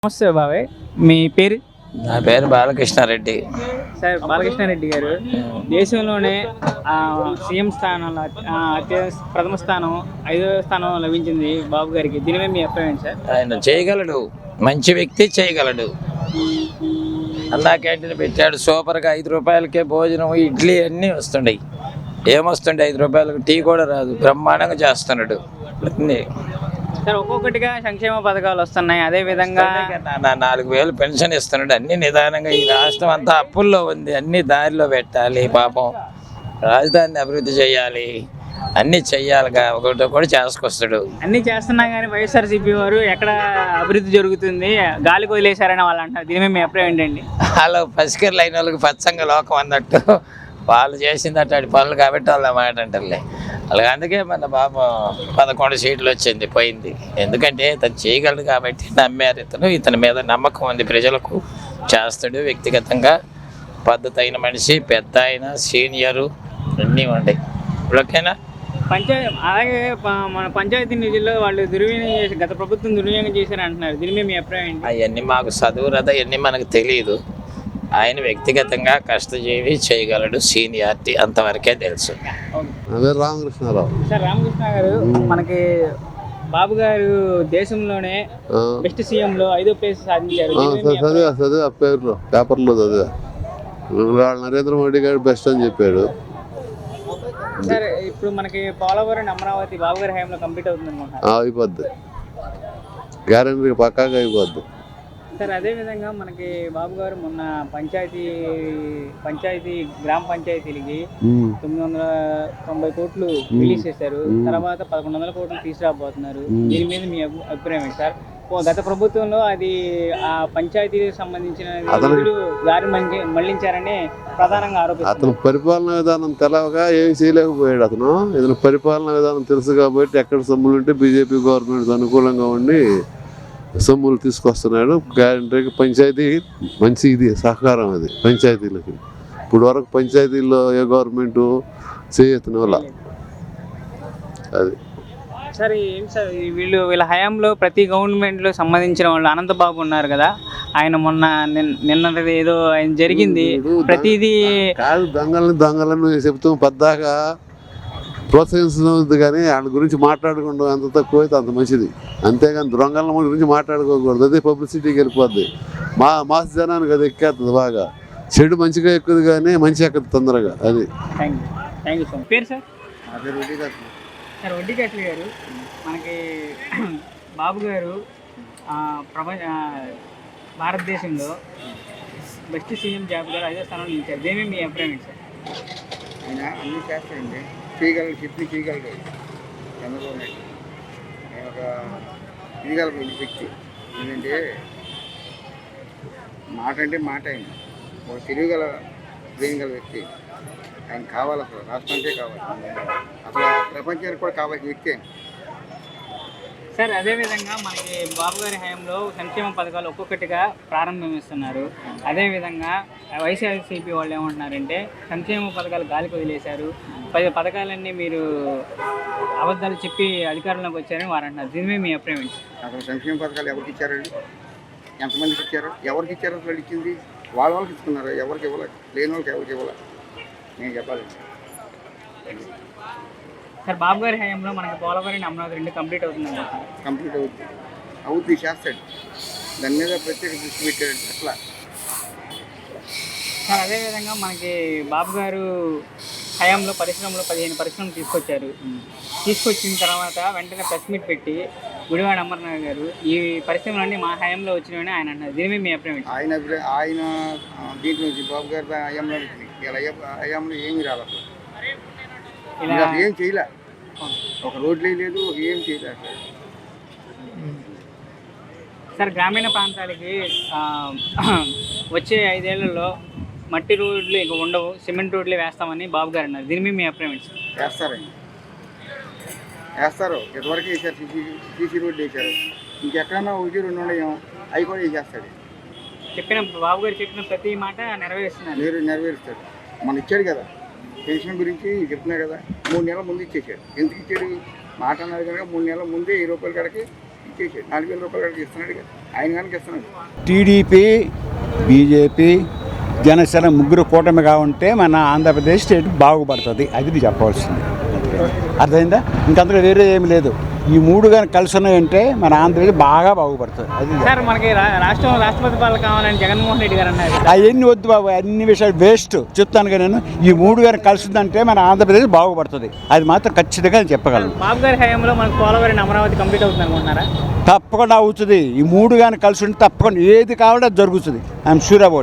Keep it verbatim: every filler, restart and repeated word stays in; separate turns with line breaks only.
నమస్తే బాబాయ్, మీ పేరు?
నా పేరు బాలకృష్ణారెడ్డి.
సార్ బాలకృష్ణారెడ్డి గారు దేశంలోనే సీఎం స్థానంలో అత్య ప్రథమ స్థానం ఐదవ స్థానం లభించింది బాబు గారికి. దీనిపై మీ అభిప్రాయం సార్?
ఆయన చేయగలడు, మంచి వ్యక్తి, చేయగలడు. అన్నా క్యాంటీన్ పెట్టాడు సూపర్గా. ఐదు రూపాయలకే భోజనం, ఇడ్లీ అన్నీ వస్తుండయి. ఏమొస్తుండే ఐదు రూపాయలకు టీ కూడా రాదు. బ్రహ్మాండంగా చేస్తున్నాడు అన్నీ.
సార్ ఒక్కొక్కటిగా సంక్షేమ పథకాలు వస్తున్నాయి. అదే విధంగా
నా నాలుగు వేలు పెన్షన్ ఇస్తున్నాడు. అన్ని నిదానంగా. ఈ రాష్ట్రం అంతా అప్పుల్లో ఉంది. అన్ని దారిలో పెట్టాలి. పాపం రాజధానిని అభివృద్ధి చేయాలి, అన్ని చెయ్యాలిగా. ఒకటి కూడా చేసుకొస్తాడు.
అన్ని చేస్తున్నా కానీ వైఎస్ఆర్సీపీ వారు ఎక్కడ అభివృద్ధి జరుగుతుంది గాలికి వదిలేశారని వాళ్ళు అంటారు. దీని మీ అభిప్రాయం ఏంటండి?
వాళ్ళు పసికర్లు అయిన వాళ్ళకి పచ్చంగా లోకం అన్నట్టు వాళ్ళు చేసింది అట్లాంటి పనులు కాబట్టి వాళ్ళ మాట అంటారులే. అలాగే అందుకే మన బాబు పదకొండు సీట్లు వచ్చింది, పోయింది. ఎందుకంటే ఇతను చేయగలడు కాబట్టి నమ్మారు. ఇతను ఇతని మీద నమ్మకం ఉంది ప్రజలకు. చేస్తాడు. వ్యక్తిగతంగా పద్ధతి అయిన మనిషి, పెద్ద అయిన సీనియరు అన్నీ ఉన్నాయి. ఓకేనా?
పంచాయతీ అలాగే మన పంచాయతీ నిధుల్లో వాళ్ళు దుర్వినియోగం చేసి గత ప్రభుత్వం దుర్వినియోగం చేశారు అంటున్నారు. దీని మీద మీ అభిప్రాయం ఏంటి?
అవన్నీ మాకు చదువు రథ అవన్నీ మనకు తెలియదు. ఆయన వ్యక్తిగతంగా కష్టజీవి, చేయగలడు, సీనియారిటీ అంతవరకే తెలుసు.
రామకృష్ణారావు.
సార్ రామకృష్ణ గారు, మనకి బాబు గారు దేశంలోనే బెస్ట్ సీఎం లో ఐదో ప్లేస్ సాధించారు.
చదివా చదివా పేరులో పేపర్లో చదివా. నరేంద్ర మోడీ గారు బెస్ట్ అని చెప్పాడు.
సార్ ఇప్పుడు మనకి పోలవరం అమరావతి బాబు గారి హయాంలో కంప్లీట్ అవుతుంది అనుకుంటున్నారు.
అయిపోద్ది, గ్యారెంటీ పక్కాగా అయిపోద్ది.
సార్ అదే విధంగా మనకి బాబు గారు మొన్న పంచాయతీ పంచాయతీ గ్రామ పంచాయతీలకి తొమ్మిది వందల తొంభై కోట్లు రిలీజ్ చేశారు. తర్వాత పదకొండు వందల కోట్లు తీసుకురాబోతున్నారు. దీని మీద మీ అభిప్రాయం ఏంటి సార్? గత ప్రభుత్వంలో అది ఆ పంచాయతీకి సంబంధించిన దారి మళ్లించారని ప్రధానంగా ఆరోపిస్తారు.
అతను పరిపాలనా విధానం తెలవగా ఏమి చేయలేకపోయాడు. అతను ఇతను పరిపాలనా విధానం తెలుసు కాబట్టి ఎక్కడ సొమ్ములు ఉంటే బీజేపీ గవర్నమెంట్ అనుకూలంగా ఉండి సొమ్ములు తీసుకొస్తున్నాడు. గ్యారెంటీకి పంచాయతీ మంచి ఇది సహకారం అది పంచాయతీలకి. ఇప్పుడు వరకు పంచాయతీల్లో ఏ గవర్నమెంట్ చేయతన వల్ల అది.
సార్ ఏం సార్ వీళ్ళు వీళ్ళ హయాంలో ప్రతి గవర్నమెంట్లో సంబంధించిన వాళ్ళు అనంతబాబు ఉన్నారు కదా, ఆయన మొన్న నిన్నది ఏదో ఆయన జరిగింది ప్రతిదీ
కాదు. దొంగలని దొంగలను చెప్తాం పద్దాకా ప్రోత్సహించదు కానీ వాళ్ళ గురించి మాట్లాడకుండా ఎంత తక్కువ అయితే అంత మంచిది. అంతేగాని దొంగల గురించి మాట్లాడుకోకూడదు. అదే పబ్లిసిటీకి వెళ్ళిపోద్ది. మా మాస్ జనానికి అది ఎక్కేస్తుంది బాగా. చెడు మంచిగా ఎక్కుదు కానీ మంచి ఎక్కదు తొందరగా. అది
థ్యాంక్ యూ సార్. పేరు సార్? సార్ వడ్డీకట్ల గారు, మనకి బాబు గారు ప్రపంచ భారతదేశంలో బెస్ట్ సీఎం జాబితాలో ఐదో స్థానంలో నిలిచారు. దేని మీ అభిప్రాయం ఏంటి సార్?
ఆయన అన్నీ చేస్తాడండి, చేయగలడు, చెప్పి చేయగలడు. చంద్రబాబు నాయుడు ఆయన ఒక చేయగల వ్యక్తి. ఎందుకంటే మాట అంటే మాట. ఆయన ఒక తెలియగల చేయగల వ్యక్తి. ఆయన కావాలి, అసలు రాష్ట్రానికే కావాలి, అసలు ప్రపంచానికి కూడా కావాల్సిన వ్యక్తి ఆయన.
సార్ అదేవిధంగా మనకి బాబు గారి హయాంలో సంక్షేమ పథకాలు ఒక్కొక్కటిగా ప్రారంభిస్తున్నారు. అదేవిధంగా వైఎస్ఆర్సీపీ వాళ్ళు ఏమంటున్నారంటే సంక్షేమ పథకాలు గాలికి వదిలేశారు, పది పథకాలన్నీ మీరు అబద్ధాలు చెప్పి అధికారంలోకి వచ్చారని వారు అంటున్నారు. దీనిమే మీ అభిప్రాయం ఏంటి?
అసలు సంక్షేమ పథకాలు ఎవరికి ఇచ్చారండి? ఎంతమందికి ఇచ్చారు? ఎవరికి ఇచ్చారు? అసలు ఇచ్చింది వాళ్ళ వాళ్ళకి ఇస్తున్నారు. ఎవరికి ఇవ్వాలి? లేని వాళ్ళకి ఎవరికి ఇవ్వాలి? నేను చెప్పాలి
సార్. బాబు గారి హయాంలో మనకి పోలవరం అమరావతి రెండు కంప్లీట్ అవుతుంది.
కంప్లీట్ అవుతుంది అవుతుంది చేస్తాడు. దాని మీద ప్రత్యేక దృష్టి పెట్టాడు అట్లా.
సార్ అదేవిధంగా మనకి బాబు గారు హయాంలో పరిశ్రమలో పదిహేను పరిశ్రమలు తీసుకొచ్చారు. తీసుకొచ్చిన తర్వాత వెంటనే ప్రెస్ మీట్ పెట్టి గుడివాడ అమర్నాథ్ గారు ఈ పరిశ్రమలన్నీ మా హయాంలో వచ్చినాయని ఆయన అన్నారు. దీని మీ అభిప్రాయం?
ఆయన ఆయన దీంట్లో బాబు గారి హయాంలో ఇలా హయాంలో ఏమీ రాలేదు. ఇలా ఏం చేయలే, ఒక రోడ్లే లేదు, ఏం చేయలే.
సార్ గ్రామీణ ప్రాంతాలకి వచ్చే ఐదేళ్లలో మట్టి రోడ్లు ఇక ఉండవు, సిమెంట్ రోడ్లే వేస్తామని బాబు గారు అన్నారు. దీని మీద మీ అభిప్రాయం?
వేస్తారండి, వేస్తారు. ఇదివరకు వేసారు, సీసీ సీసీ రోడ్లు వేసారు. ఇంకెక్కడన్నా ఒకటి రెండు ఉన్నాయేమో అవి కూడా వేసేస్తాడు.
చెప్పిన బాబు గారు చెప్పిన ప్రతి మాట నెరవేరుస్తున్నారు.
మీరు నెరవేరుస్తాడు. మన ఇచ్చాడు కదా పెన్షన్ గురించి చెప్తున్నా కదా, మూడు నెలల ముందు ఇచ్చేసాడు. ఎందుకు ఇచ్చాడు? మాట అన్నారు కనుక మూడు నెలల ముందే వెయ్యి రూపాయల కాడికి ఇచ్చేసాడు. నాలుగు వేల రూపాయల కాడికి ఇస్తున్నాడు కదా. ఆయన కనుక ఇస్తున్నాడు.
టీడీపీ, బీజేపీ, జనసేన ముగ్గురు కూటమిగా ఉంటే మన ఆంధ్రప్రదేశ్ స్టేట్ బాగుపడుతుంది. అది నేను చెప్పవలసింది. అర్థమైందా? ఇంకంతలో వేరే ఏమి లేదు. ఈ మూడు కానీ కలిసి ఉన్నాయంటే మన ఆంధ్రప్రదేశ్ బాగా బాగుపడుతుంది. అది
సార్ మనకి రా- రాష్ట్రం రాష్ట్రపతి పాలన కావాలని జగన్మోహన్ రెడ్డి గారు అన్నారు.
అవన్నీ వద్దు బాబు, అన్ని విషయాలు వేస్ట్. చెప్తాను కానీ నేను ఈ మూడు కానీ కలిసిందంటే మన ఆంధ్రప్రదేశ్ బాగుపడుతుంది. అది మాత్రం ఖచ్చితంగా నేను చెప్పగలను.
బాబు గారి హయాంలో మనకు పోలవరం అమరావతి కంప్లీట్ అవుతుంది అనుకుంటున్నారా?
తప్పకుండా అవుతుంది. ఈ మూడు కానీ కలిసి ఉంటే తప్పకుండా ఏది కావాలో అది జరుగుతుంది. I'm sure about.